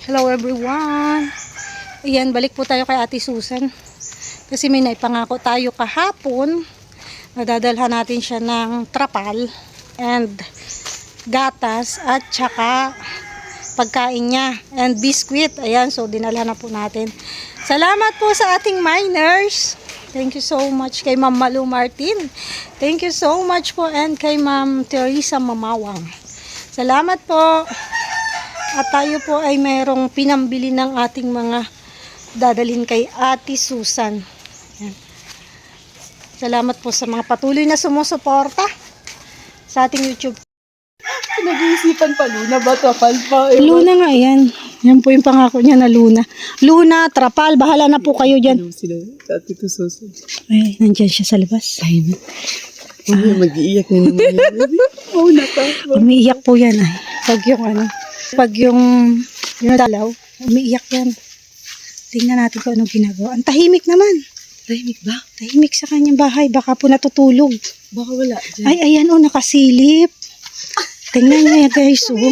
Hello everyone. Ayan, balik po tayo kay Ate Susan. Kasi may naipangako tayo kahapon. Nadadalhan natin siya ng trapal and gatas at saka pagkain niya and biscuit. Ayan, so dinalhan na po natin. Salamat po sa ating miners. Thank you so much kay Ma'am Malu Martin. Thank you so much po and kay Ma'am Teresa Mamawang. Salamat po. At tayo po ay mayroong pinambili ng ating mga dadalhin kay Ate Susan. Yan. Salamat po sa mga patuloy na sumusuporta sa ating YouTube. Nag-iisipan pa Luna ba? Trapal pa? Luna nga yan. Yan po yung pangako niya na Luna. Luna, trapal, bahala na po kayo dyan. Ano sila? Ate ko Susan. Ay, nandyan siya sa labas. Ay, mag-iiyak na naman yan. Oo, naka. Umiiyak po yan ay. Pag yung dalaw, umiiyak yan. Tingnan natin kung anong ginagawa. Ang tahimik naman. Tahimik ba? Tahimik sa kanyang bahay. Baka po natutulog. Baka wala dyan. Ay, ayan o, nakasilip. Tingnan niyo yan guys, oh.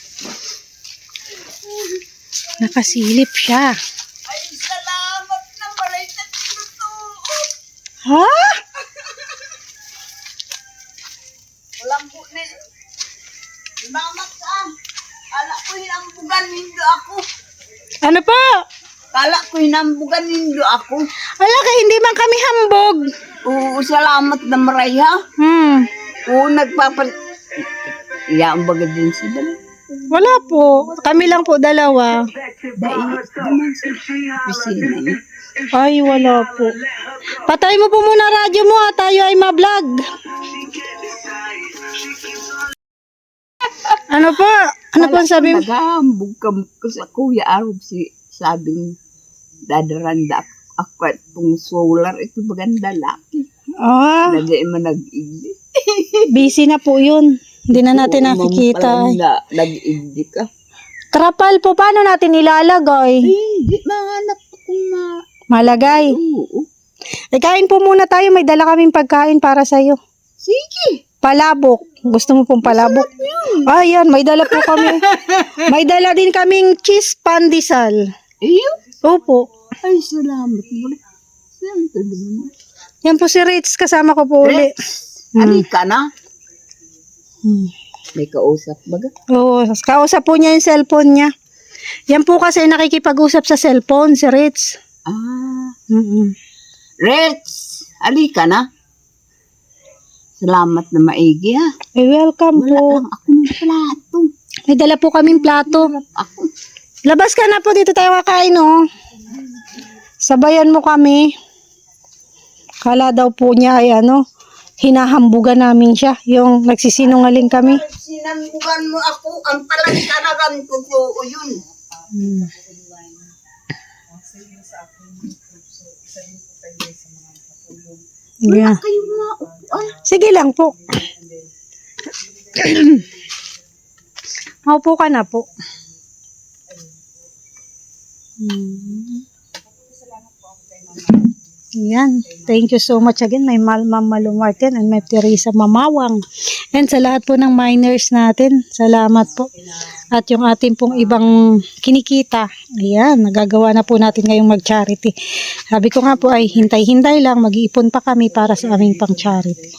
Nakasilip siya. Ay, salamat na maray na tinutuon. Ha? Walang bunin. Mamat ka. Kala ko hinambugan nindo ako. Ano po? Kala ko hinambugan nindo ako. Wala ka, hindi man kami hambog. Oo, salamat na maray ha. Oo, Iyaan baga din si Bala. Wala po. Kami lang po dalawa. Dahil naman sa pisina niya. Ay, wala po. Patay mo po muna radyo mo ha. Tayo ay ma-vlog. Ano po? Ano po ang sabi mo? Nagahambog ka sa Kuya Arab sabing dadaranda ako at pong solar ito baganda laki. Ah, Lagay mo nag-igdi. busy na po yun. Hindi na natin nakikita. Nag-igdi ka. Trapal po, paano natin ilalagay? Hindi, mahanap akong Malagay. Oo. Eh, kain po muna tayo. May dala kaming pagkain para sa'yo. Sige. Palabok. Gusto mo pong palabok? Ayan, may dala po kami. May dala din kaming cheese pandesal. Iyo? Opo. Ay, salamat mo. Siyempre naman. Yan po si Ritz. Kasama ko po uli. Halika na. May kausap baga? Oo, kausap po niya yung cellphone niya. Yan po kasi nakikipag-usap sa cellphone, si Ritz. Ah. Reds, halika na. Salamat na maigi ha. Eh, welcome Wala po. lang akong plato. May dala po kaming plato. Ako. Labas ka na po, dito tayo kakain, oh. Sabayan mo kami. Kala daw po niya ay hinahambugan namin siya. Yung nagsisinungaling kami. Sinambugan mo ako, ang palagkaragan ko po yun. Yeah. Kayo mga upuan. Sige lang po. Maupo ka na po. Yan. Thank you so much again. May Ma'am Malu Martin and may Teresa Mamawang. And sa lahat po ng miners natin, salamat po. At yung ating pong ibang kinikita, ayan, nagagawa na po natin ngayong mag-charity. Sabi ko nga po ay hintay-hintay lang, mag-iipon pa kami para sa aming pang-charity.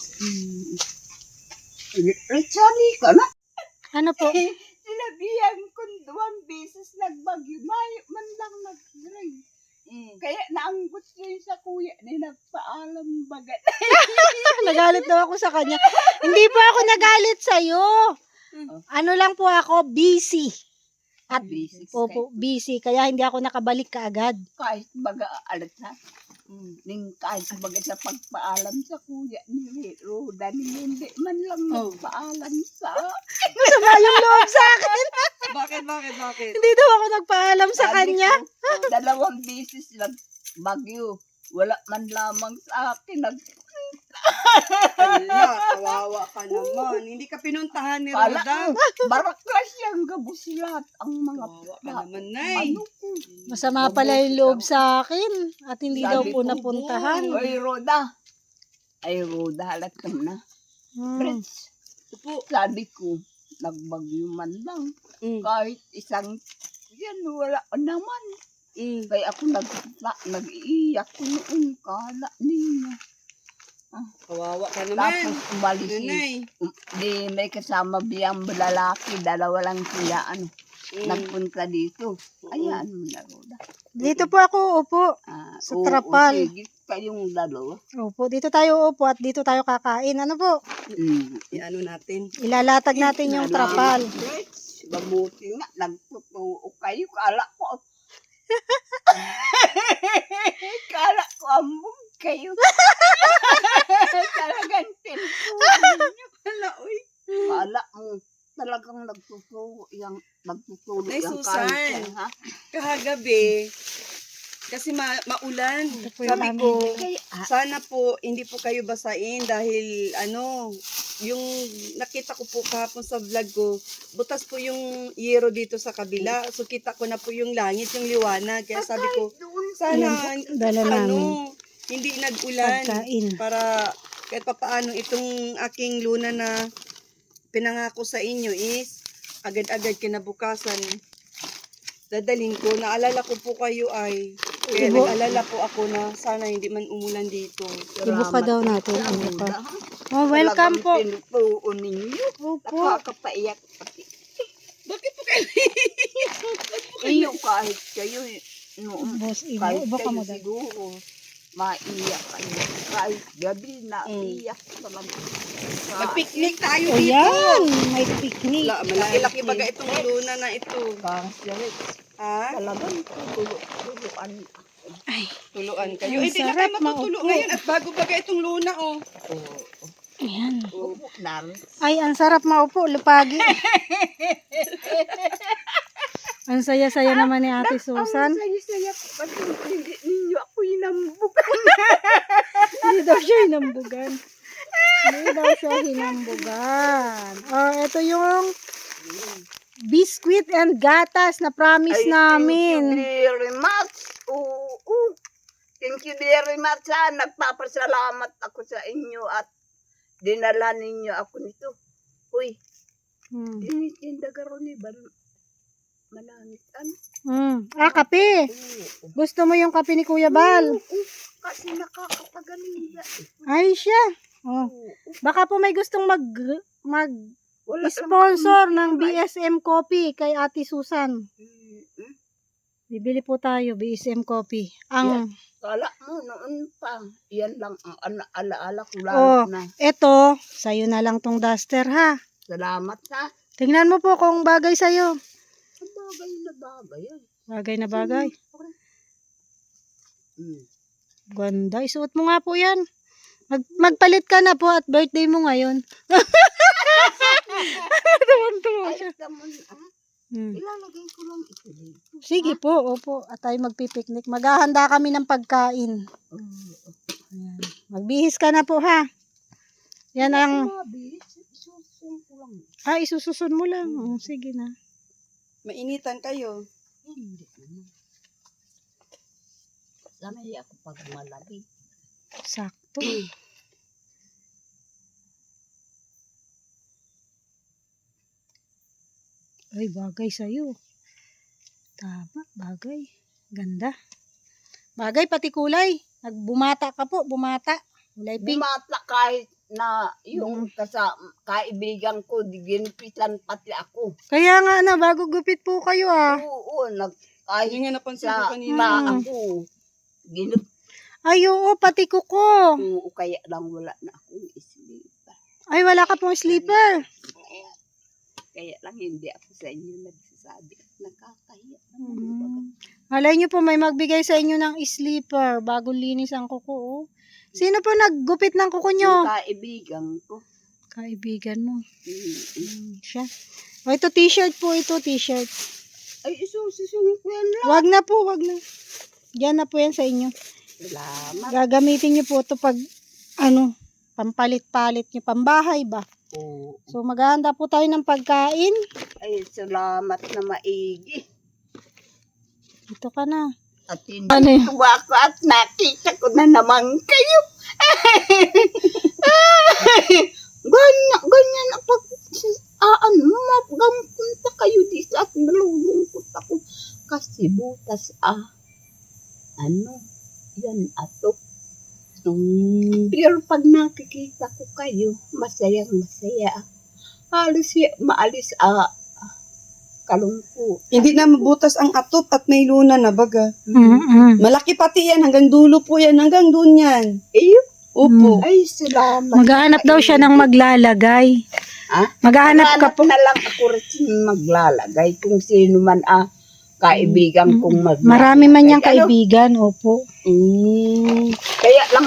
Rechali ka na. Ano po? Sinabihan ko 2 beses nagbagyo. Mayo man lang nag-rain. Kaya naanggot yun sa kuya ni nagpaalam bagat. Nagalit daw ako sa kanya. Hindi po ako nagalit sa'yo. Ano lang po ako, busy. At Busy. opo, busy. Kaya hindi ako nakabalik kaagad. Kahit baga alat na. Kahit baga sa pagpaalam sa kuya ni Roda ni hindi man lang nagpaalam sa Masama yung loob sa akin. Bakit? Hindi daw ako nagpaalam sa kanya. 2 beses lang bagyo. Wala man lamang sa akin. Hala, kawawa ka naman. Hindi ka pinuntahan ni Kala Roda. baraklas yung gabos lahat ang mga Kawawa ka naman, Nay. ano ko. Masama pala yung loob sa akin. At hindi daw Sabi po ko, napuntahan. Ay, Roda, halat na. Friends, Upo. sabi ko, nagbagyo man lang. Mm. Kahit isang yan, wala naman. Kaya ako nag-iiyak ko noon, kala niya. Kawawa ka Tapos naman. umalis Nanay. di may kasama biyang lalaki, dalawa lang sila, nagpunta dito. Ayan mo na, Roda. Dito po ako upo. Sa trapal. Sige, kayong dalawa. Opo, dito tayo upo at dito tayo kakain. Ano po? Iano natin. Ilalatag natin yung trapal. Mabuti nga, nagtutuo kayo, kala ko. Kala ko ambog kayo. Talagang tintuan niyo. Kala mo, talagang nagtutuo yung Nay, yung Susan. cancer, ha? Kahagabi, kasi maulan. Ito po yung Sabi aming- ko, sana po hindi po kayo basain dahil yung nakita ko po kahapon sa vlog ko, butas po yung yero dito sa kabila. So kita ko na po yung langit, yung liwanag. Kaya sabi ko, sana Dala namin. hindi nag-ulan Pagkain. para kahit papaano itong aking luna na pinangako sa inyo is agad-agad kinabukasan dadalhin ko. Naalala ko po kayo ay kaya Ibo- nag-alala po ako na sana hindi man umulan dito. Ibuka daw natin. Salamat. Ibuka. Oh, welcome po. Talagang tinutuo ninyo. Opo. Nakakapaiyak pati. Bakit po kayo? Iyo kahit kayo, noon, Boss, kahit ibuka kayo mo daw. siguro, maiyak kayo. Kahit gabi na iyak talaga. Mag-picnic tayo O dito. yan, may picnic. Malaki-laki baga itong luna na ito. Kahit Ha? talagang tuluan. Tuluan kayo. Ang Hindi na sarap, kayo matutulo maupo. ngayon at bago baga itong luna oh. Ayan. Opo, namin. Ay, ang sarap maupo, lupagi. Ang saya-saya naman ni Ate Susan. Ang saya-saya ko kasi hindi ninyo ako inambog. Hindi daw siya hinambugan. Hindi daw siya hinambugan. Oh, ito yung biscuit and gatas na promise Thank you namin. very much. Oo. Thank you very much. Nagpapasalamat ako sa inyo at dinala ninyo ako nito. Uy, dinitinda karon ni manangit. Kape. Gusto mo yung kape ni Kuya Bal? Kasi nakakapagaling na. Ay, siya. Oh. Baka po may gustong Wala sponsor ng BSM Coffee kay Ate Susan. naman. Bibili po tayo, BSM Coffee. Ang, Kala mo noon pa. Yan lang ang alaala ko lang Oh. na. eto, sa'yo na lang tong duster ha. Salamat ha. Tingnan mo po kung bagay sa'yo. Bagay na bagay. Bagay na bagay. Mm. Ganda. Isuot mo nga po yan. Magpalit ka na po at birthday mo ngayon. Tuwang-tuwa siya. Ay, tamon, Hmm. ilalagay ko lang ito dito. Sige po, opo. At tayo magpipiknik. Maghahanda kami ng pagkain. Ayan. Magbihis ka na po ha. Yan ang... Isusun ko lang. Isususun mo lang. Sige na. Mainitan kayo. Hindi naman. Sanay ako pag malamig. Sakto. Ay, bagay sa'yo. Tama, bagay. Ganda. Bagay, pati kulay. Nagbumata ka po, bumata. Kulay pink. Bumata kahit na yung kaibigan ko, ginupitan pati ako. Kaya nga na, bago gupit po kayo Oo, kahit Yung nga napansin ko sa kanina. ako, ginup. Ay, oo, pati kuko. Oo, kaya lang wala na akong islipa. Ay, wala ka pong sleeper. Kaya lang hindi ako sa inyo nagsasabi. Nakakahiya Mm. naman. Malay nyo po, may magbigay sa inyo ng sleeper. Bago linis ang kuko, oh. Sino po naggupit ng kuko nyo? Yung kaibigan ko. Kaibigan mo. Siya. O, ito t-shirt po, ito t-shirt. Ay, isususun ko yan lang. Wag na po, wag na. Diyan na po yan sa inyo. Salamat. Gagamitin nyo po ito pag, pampalit-palit nyo, pambahay ba? Oo. So, maghahanda po tayo ng pagkain. Ay, salamat na maigi. Dito ka na. At hindi Ano yun? tuwa ko at nakita ko na naman kayo. Ganyan na pag gampun pa kayo dito at nalulungkot ako. kasi butas ano, yan ato. Pero pag nakikita ko kayo, masayang masaya. Halos maalis kalungkot. Hindi na mabutas ang atop at may luna na baga. Mm-mm. Malaki pati yan, hanggang dulo po yan, hanggang doon yan. Iyo, Opo. ay salamat. Maghahanap daw siya ng maglalagay. Ha? Maghahanap ka Hanap po. na lang ako rin maglalagay kung sino man kaibigan kong maglalagay. Marami man niyang Ano? kaibigan, opo. Kaya lang,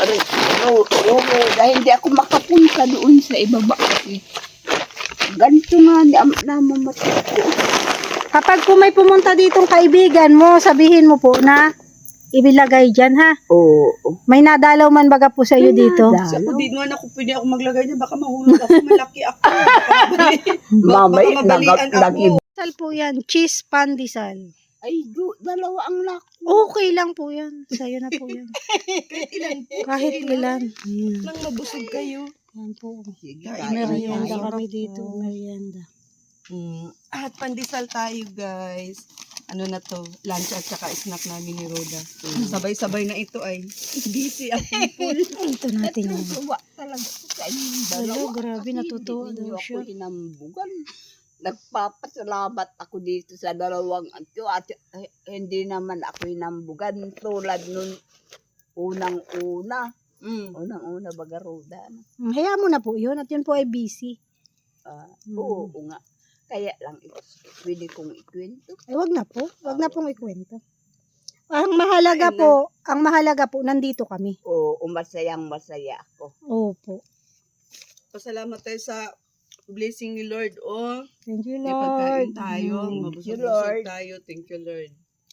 dahil hindi ako makapunta doon sa ibaba kasi. Ganito nga namamatay ko. Kapag po may pumunta ditong kaibigan mo, sabihin mo po na ibilagay dyan, ha? Oo. May nadalaw man baga po sa iyo dito. Kasi ako, di naman ako pwede ako maglagay niya, baka mahulog ako, malaki ako. Mamay, baka mabalian ako. Sal po yan, cheese pandesal. Ay, dalawa ang lako. Okay lang po yan. Sa'yo na po yan. Kahit ilan. Nang mabusog kayo. Yan po. Sige, Merienda tayo. kami dito. Merienda. At pandesal tayo, guys. Ano na to? Lunch at saka snack namin ni Roda. Sabay-sabay na ito ay. Busy ang people. Ito natin yan. Natutuwa talaga ko sa inyong Hello, dalawa. grabe, Kasi natutuwa hindi daw ninyo siya. ako hinambugan. Nagpapasalamat ako dito sa dalawang ito at hindi naman ako hinambugan tulad nun unang-una. Unang-una baga Roda. Hayaan mo na po yun. At yun po ay busy. Oo nga. Kaya lang pwede kong ikwento. Ay, wag na po. Wag na pong ikwento. Ang mahalaga po, nandito kami. Oo, masayang masaya ako. Opo. Pasalamat tayo sa blessing ni Lord. Oh, Thank you, may pagkain Lord. tayo. Thank you, Mabusog-busog Lord. tayo. Thank you, Lord.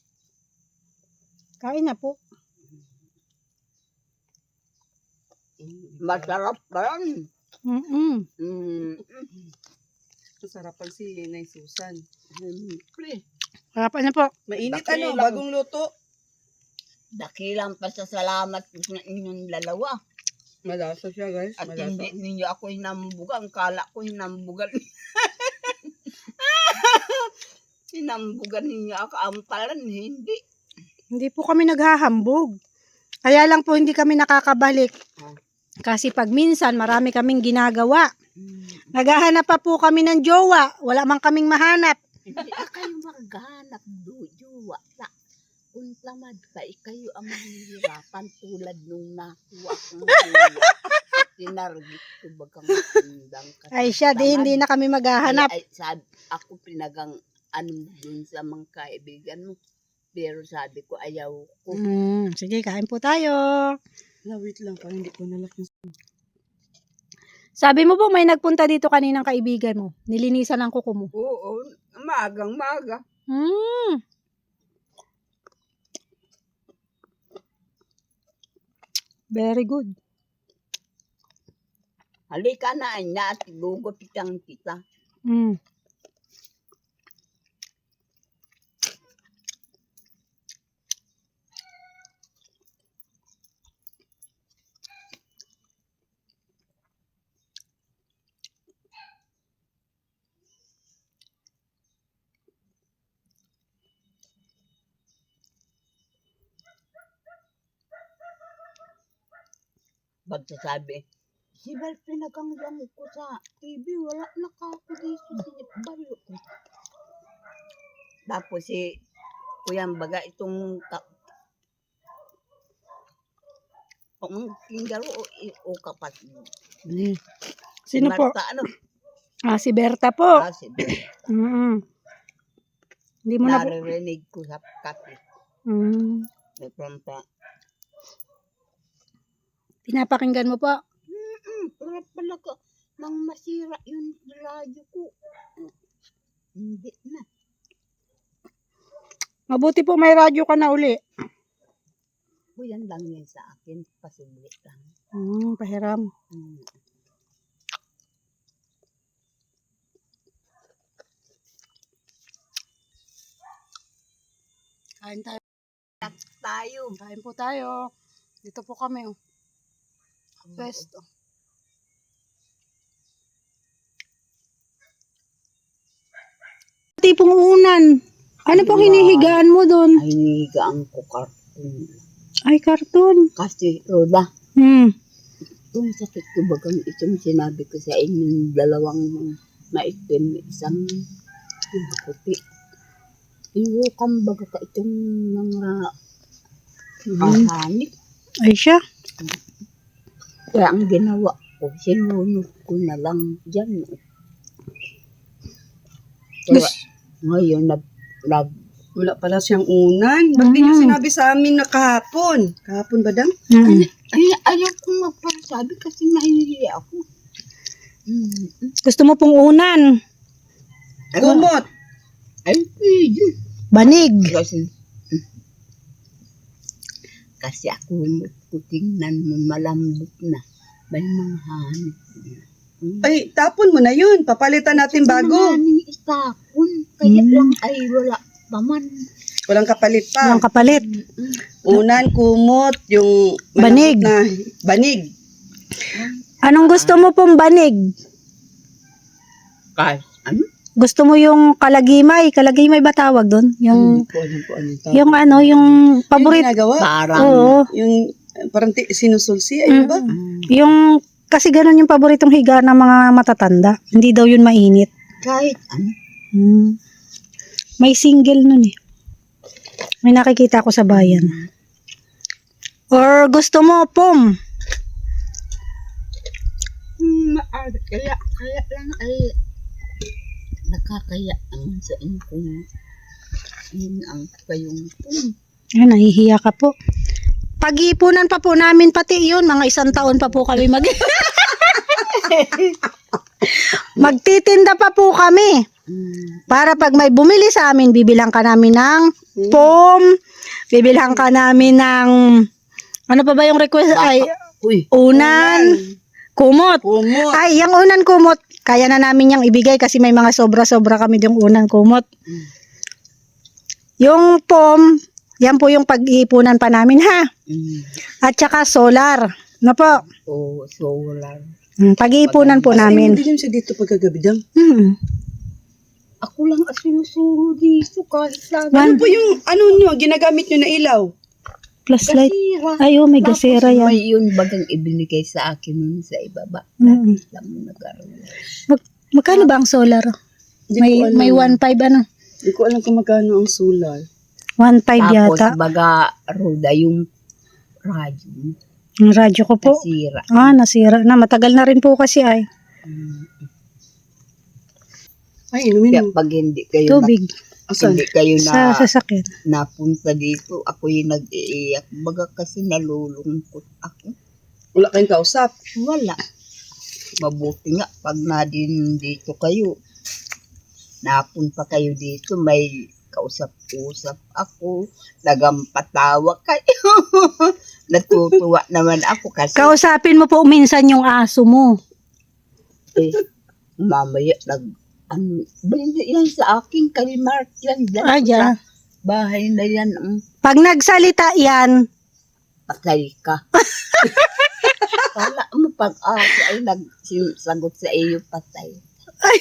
Kain na po. Masarap ba yan? Masarapan si Nay Susan. Siyempre. Harapan na po. Mainit Dakilang. bagong luto. Dakilang pasasalamat ko sa inyong dalawa. Malasa siya, guys. At Malasa. hindi ninyo ako hinambugan. Kala ko hinambugan. Hinambugan ninyo ako. Ampalan, hindi. Hindi po kami naghahambog. Kaya lang po hindi kami nakakabalik. Kasi pag minsan marami kaming ginagawa. Naghahanap pa po kami ng jowa. Wala man kaming mahanap. Hindi na kayo maghanap jowa. Kung tamad ka, kayo ang mahihirapan tulad nung nakuha kong jowa. Tinargit ko bagang matindang ka. Ay siya, di hindi na kami maghahanap. Ay, sabi, ako pinagang dun sa mga kaibigan mo. Pero sabi ko, ayaw ko. Sige, kain po tayo. Wait lang pa, hindi ko nalaki. Sabi mo po may nagpunta dito kaninang kaibigan mo. Nilinisan ang kuko mo. Oo, maga. Very good. Halika na, at gugupitan kita. Pagsasabi, si Bal pinaganggang ko sa TV, wala na ka ako dito sa Bal. Tapos si Kuyang Baga itong pangkingaro o kapatid. Sino po? Marta, ano? Si Berta po. Si Bal. Hindi mo na po. Naririnig ko sa kape. May prampa. Pinapakinggan mo po. Pero pala ka, nang masira yung radyo ko. Hindi na. Mabuti po may radyo ka na uli. Yan lang yan sa akin. Pasubli lang. Pahiram. Kain tayo. Kain po tayo. Dito po kami. Pwesto. Tipong unan. Ano pong hinihigaan mo doon? Ay, nigaan ko karton. Ay, karton. Kasi, Roda, itong sakit ko bagang itong sinabi ko sa inyo, dalawang maitim, isang puti. Iwukan baga ka itong mga hanip. Ay siya. Kaya ang ginawa ko, sinunod ko na lang dyan. Kaya ngayon, Wala pala siyang unan. Ba't di niyo sinabi sa amin na kahapon? Kahapon ba dang? ay, ayaw kong magpasabi kasi nahihiya ako. Gusto mo pong unan? Kumot. Ay, pwede. Banig. Kasi ako tingnan mo malambot na. May mga hanip na. Ay, tapon mo na yun. Papalitan natin bago. Namin itapon. Kaya lang ay wala pa man. Walang kapalit pa. Yung kapalit. Unan, kumot, yung Banig. malambot na banig. Anong gusto mo pong banig? Kahit ano? Gusto mo yung kalagimay? Kalagimay ba tawag doon? Yung, Hindi ko alam kung anong tawag. yung ano, yung Yung paborito. ginagawa. Parang, Oo. Yung parang sinusulsi. Ayun ba? Yung, kasi ganun yung paboritong higa ng mga matatanda. Hindi daw yun mainit. kahit ano. May single nun eh. May nakikita ko sa bayan. Or gusto mo, pom? Kaya lang ay nakakaya naman sa inyo kung yun ang kayong Ay, nahihiya ka po. Pag-iipunan pa po namin pati yun. Mga 1 taon pa po kami magtitinda pa po kami. Para pag may bumili sa amin, bibilang ka namin ng pom, bibilang ka namin ng, ano pa ba yung request? Ay, uy, unan, kumot. Kumot. Ay, yung unan kumot, kaya na namin yung ibigay kasi may mga sobra-sobra kami yung unan kumot. Yung pom, yan po yung pag-iipunan pa namin ha. At saka solar. Ano po? o solar. Pag-iipunan po namin. Hindi siya dito pagkagabi dang. Ako lang asinusuro dito kahit lang. Ano po yung, ano nyo, ginagamit nyo na ilaw? Flashlight. Gasira. Ay, oh, may gasera yan. May yun bagang ibinigay sa akin nun sa ibaba. Mm. Alam mo nag-aroon. Magkano ba ang solar? Hindi ko alam. May 1.5 ano? Hindi ko alam kung magkano ang solar. 1.5 Tapos yata. baga Roda yung radyo. Ang radyo ko po. Nasira. Nasira na. Matagal na rin po kasi ay. Ay, inumin Kaya mo. pag hindi kayo Tubig. Asan? hindi kayo Sa sasakyan. napunta dito, ako yung nag-iiyak. Baga kasi nalulungkot ako. Wala kayong kausap. Wala. Mabuti nga pag na din dito kayo. Napunta kayo dito, may kausap-usap ako. Nagampatawa kayo. Natutuwa naman ako kasi Kausapin mo po minsan yung aso mo. mamaya hindi yan sa akin, kay Mark yan. Aja. Bahay na yan, Pag nagsalita yan, patay ka. Wala mo pag-asa ay nagsagot sa iyo, patay. ay,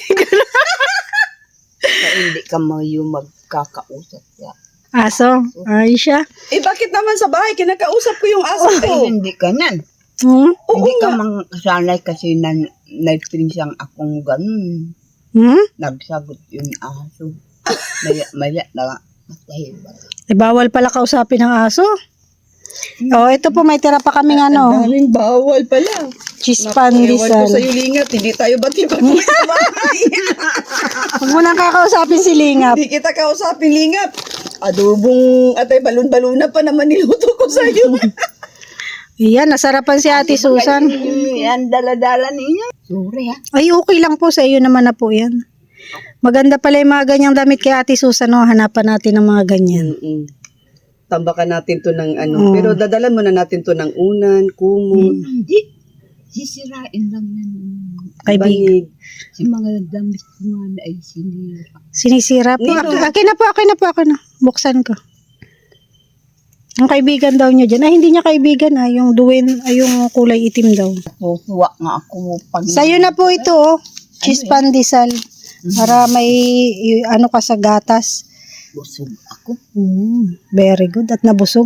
Kaya hindi ka mo yung magkakausap ka. aso. Ay siya. Eh, bakit naman sa bahay? Kinakausap ko yung aso ko. Ay, hindi ka nan. Hindi ka mang kasanay kasi nag-pinsang akong ganun. Nagsagot yung aso. Maya na matay ba? Bawal pala kausapin ng aso. Ito po may tira pa kaming ano, Daming bawal pala. cheese Ewan ko pandesal. sa'yo, Lingat. Hindi tayo bati-bati sa bahay. Huwag mo nang kakausapin si Lingap. Hindi kita kausapin, Lingat. Adobong atay balon-balon na pa naman niluto ko sa'yo. Iyan, nasarapan si Ate Susan. Yan, dala-dala ninyo. Sorry ha. Ay, okay lang po sa iyo naman na po yan. Maganda pala yung mga ganyang damit kay Ate Susan. No? Hanapan natin ng mga ganyan. Tambakan natin to ng ano. Pero dadalan muna natin to ng unan, kumot, Hindi. Sisirain lang yan. Kaibigan. banig. Si mga damit ko nga na ay sinira. Sinisira po. Nino. Akin na. Buksan ko. Ang kaibigan daw niya dyan. Ay, hindi niya kaibigan. Yung duwin, yung kulay itim daw. Tutuwa nga ako pag... Sa'yo na po ito, cheese pandesal. Para may, ano ka sa gatas. Busog ako. Very good. At nabusog.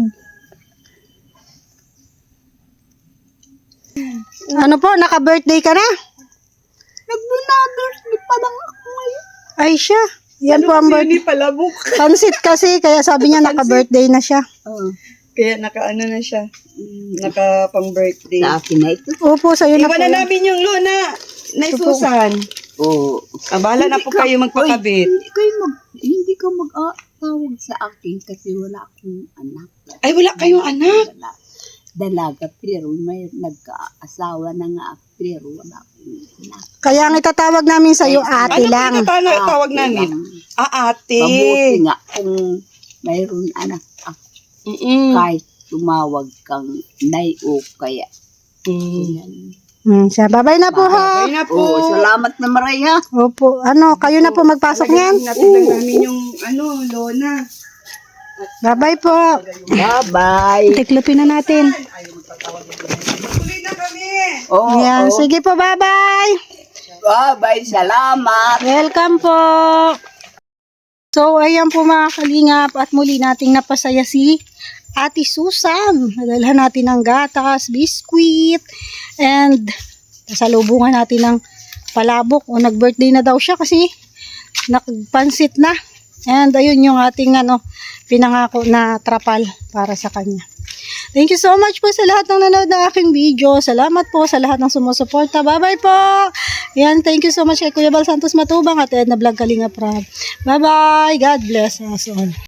Ano po, naka-birthday ka na? Nag-birthday pa lang ako ngayon. Ay siya. Yan po ang birthday. Hindi palabok. Pansit kasi, kaya sabi niya naka-birthday na siya. Oh. Kaya naka-ano na siya. Naka pang birthday. Sa akin na ito. Opo, sa'yo na po. Iwan na namin yung Luna. Nay Susan. Oo. Bahala na po kayo magpakabit. Hindi ka mag-tawag sa akin kasi wala akong anak. Ay, wala kayong anak. Dalaga, pero may nagka-asawa na nga ako, pero wala akong anak. Kaya ang itatawag namin sa'yo, ate Ano lang. po yung tawag namin? Ate. Mabuti nga kung mayroon anak ako, kahit tumawag kang nay o kaya. Yan. Siya, babay na po ha. Bye na po. Oo, salamat na maray ha. Opo, kayo na po magpasok niyan. Natin lang namin yung Lona. Babay po. Bye-bye. Tiklopin na natin. Tuloy na kami. Oo, Yan, oo. sige po, bye-bye. Bye-bye, salamat. Welcome po. So, ayan po mga kalingap at muli nating napasaya si Ate Susan. Nadalhan natin ng gatas, biskwit, and nasalubungan natin ng palabok. O nag-birthday na daw siya kasi nagpansit na. And ayun yung ating pinangako na trapal para sa kanya. Thank you so much po sa lahat ng nanood ng aking video. Salamat po sa lahat ng sumusuporta. Bye-bye po. Yan, thank you so much kay Kuya Bal Santos Matubang at Edna Vlog Kalinga Prab. Bye-bye. God bless us all.